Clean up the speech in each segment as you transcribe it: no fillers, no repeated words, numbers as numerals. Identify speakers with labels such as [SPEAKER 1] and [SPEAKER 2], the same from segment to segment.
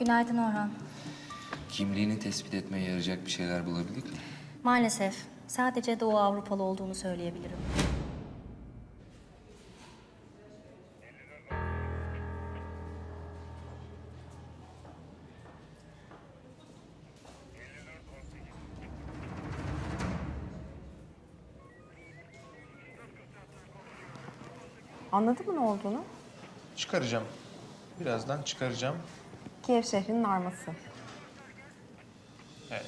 [SPEAKER 1] Günaydın Orhan.
[SPEAKER 2] Kimliğini tespit etmeye yarayacak bir şeyler bulabildik mi?
[SPEAKER 1] Maalesef sadece Doğu Avrupalı olduğunu söyleyebilirim.
[SPEAKER 3] Anladın mı ne olduğunu?
[SPEAKER 4] Çıkaracağım. Birazdan çıkaracağım.
[SPEAKER 3] Kiev şehrinin arması.
[SPEAKER 4] Evet.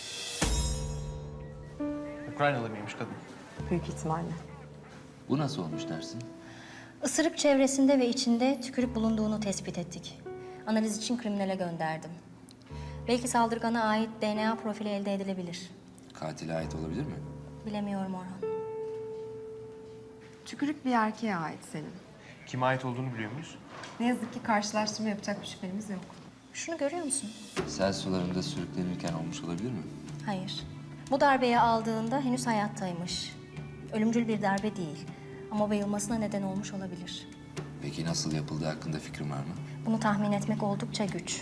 [SPEAKER 4] Ukraynalı mıymış kadın?
[SPEAKER 3] Büyük ihtimalle.
[SPEAKER 2] Bu nasıl olmuş dersin?
[SPEAKER 1] Isırık çevresinde ve içinde tükürük bulunduğunu tespit ettik. Analiz için kriminale gönderdim. Belki saldırgana ait DNA profili elde edilebilir.
[SPEAKER 2] Katile ait olabilir mi?
[SPEAKER 1] Bilemiyorum Orhan.
[SPEAKER 3] Tükürük bir erkeğe ait senin.
[SPEAKER 4] Kime ait olduğunu biliyor muyuz?
[SPEAKER 3] Ne yazık ki karşılaştırma yapacak bir şüphemiz yok.
[SPEAKER 1] Şunu görüyor musun?
[SPEAKER 2] Sel sularında sürüklenirken olmuş olabilir mi?
[SPEAKER 1] Hayır. Bu darbeyi aldığında henüz hayattaymış. Ölümcül bir darbe değil. Ama bayılmasına neden olmuş olabilir.
[SPEAKER 2] Peki nasıl yapıldığı hakkında fikrin var mı?
[SPEAKER 1] Bunu tahmin etmek oldukça güç.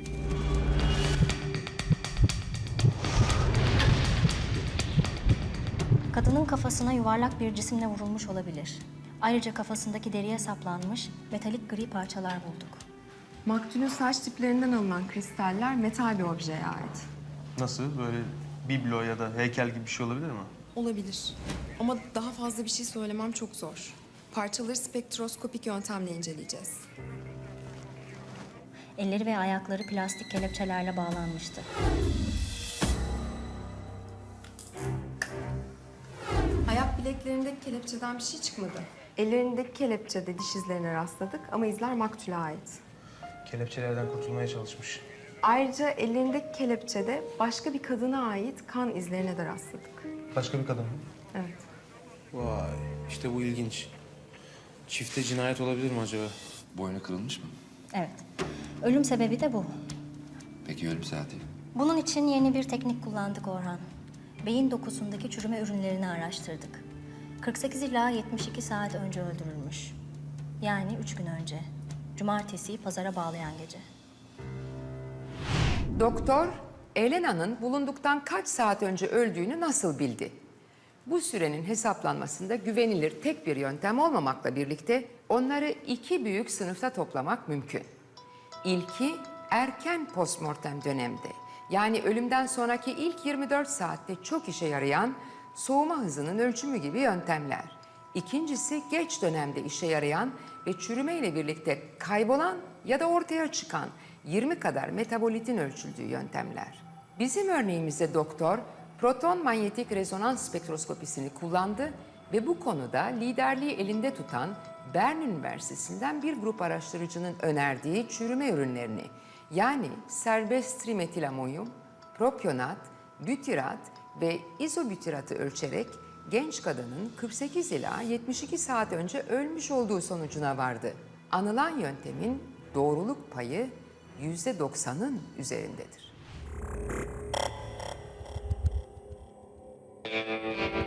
[SPEAKER 1] Kadının kafasına yuvarlak bir cisimle vurulmuş olabilir. Ayrıca kafasındaki deriye saplanmış metalik gri parçalar bulduk.
[SPEAKER 3] Maktulün saç tiplerinden alınan kristaller metal bir objeye ait.
[SPEAKER 4] Nasıl? Böyle biblo ya da heykel gibi bir şey olabilir mi?
[SPEAKER 5] Olabilir. Ama daha fazla bir şey söylemem çok zor. Parçaları spektroskopik yöntemle inceleyeceğiz.
[SPEAKER 1] Elleri ve ayakları plastik kelepçelerle bağlanmıştı.
[SPEAKER 5] Ayak bileklerindeki kelepçeden bir şey çıkmadı.
[SPEAKER 3] Ellerindeki kelepçede diş izlerine rastladık ama izler maktule ait.
[SPEAKER 4] Kelepçelerden kurtulmaya çalışmış.
[SPEAKER 3] Ayrıca ellerindeki kelepçede başka bir kadına ait kan izlerine de rastladık.
[SPEAKER 4] Başka bir kadın mı?
[SPEAKER 3] Evet.
[SPEAKER 6] Vay, işte bu ilginç. Çifte cinayet olabilir mi acaba?
[SPEAKER 2] Boynu kırılmış mı?
[SPEAKER 1] Evet. Ölüm sebebi de bu.
[SPEAKER 2] Peki ölüm saati?
[SPEAKER 1] Bunun için yeni bir teknik kullandık Orhan. Beyin dokusundaki çürüme ürünlerini araştırdık. 48 ila 72 saat önce öldürülmüş. Yani 3 gün önce. Cumartesiyi pazara bağlayan gece.
[SPEAKER 7] Doktor, Elena'nın bulunduktan kaç saat önce öldüğünü nasıl bildi? Bu sürenin hesaplanmasında güvenilir tek bir yöntem olmamakla birlikte onları iki büyük sınıfta toplamak mümkün. İlki erken postmortem dönemde, yani ölümden sonraki ilk 24 saatte çok işe yarayan soğuma hızının ölçümü gibi yöntemler. İkincisi geç dönemde işe yarayan ve çürümeyle birlikte kaybolan ya da ortaya çıkan 20 kadar metabolitin ölçüldüğü yöntemler. Bizim örneğimizde doktor proton manyetik rezonans spektroskopisini kullandı ve bu konuda liderliği elinde tutan Bern Üniversitesi'nden bir grup araştırıcının önerdiği çürüme ürünlerini, yani serbest trimetilamonyum, propionat, bütirat ve izobütiratı ölçerek genç kadının 48 ila 72 saat önce ölmüş olduğu sonucuna vardı. Anılan yöntemin doğruluk payı %90'ın üzerindedir.